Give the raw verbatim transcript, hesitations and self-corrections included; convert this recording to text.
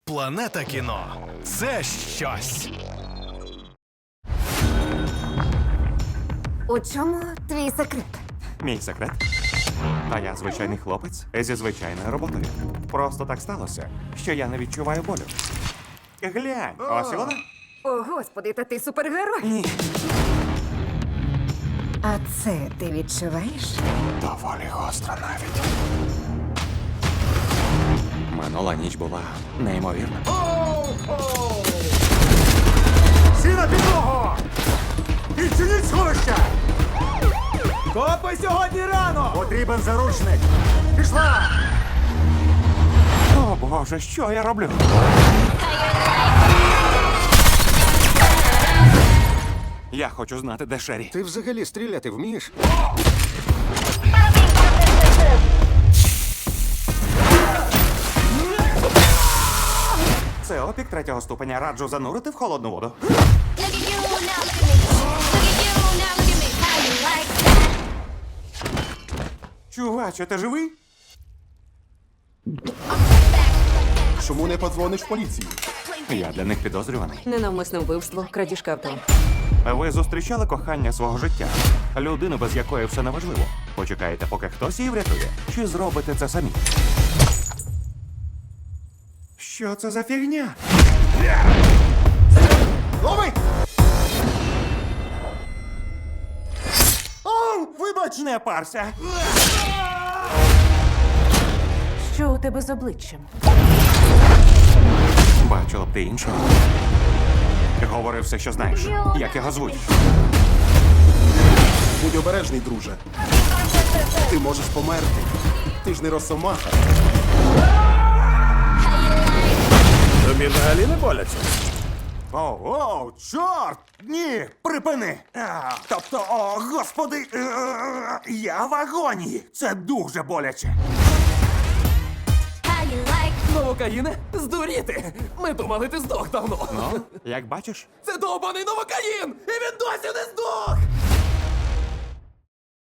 Планета кіно – це щось. У чому твій секрет? Мій секрет? Та я звичайний хлопець зі звичайною роботою. Просто так сталося, що я не відчуваю болю. Глянь, ось і вона. О, господи, та ти супергерой. Ні. А це ти відчуваєш? Доволі гостро навіть. Минула ніч була неймовірна. Всі на підлогу! Відчиніть сховище! Копи сьогодні рано! Потрібен заручник! Пішла! О, Боже, що я роблю? Я хочу знати, де Шері. Ти взагалі стріляти вмієш? Це опік третього ступеня. Раджу занурити в холодну воду. Look at you now, look at me. Look at you now, look at me. How you like that? Чуваче, ти живий? Чому не подзвониш в поліцію? Я для них підозрюваний. Ненавмисне вбивство, крадіжка авто. Ви зустрічали кохання свого життя? Людину, без якої все неважливо. Почекаєте, поки хтось її врятує? Чи зробите це самі? Що це за фігня? Лови! О, вибач, не парся! Що у тебе з обличчям? Бачила б ти іншого. Говори все, що знаєш. Як його звуть? Будь обережний, друже. Ти можеш померти. Ти ж не росомаха. Тобі взагалі не боляться? Оу, оу, чорт! Ні, припини! А, тобто, о, господи, е, я в агонії. Це дуже боляче. How you like Новокаїне? Здуріти! Ми думали, ти здох давно. Ну, як бачиш? Це довбаний новокаїн! І він досі не здох!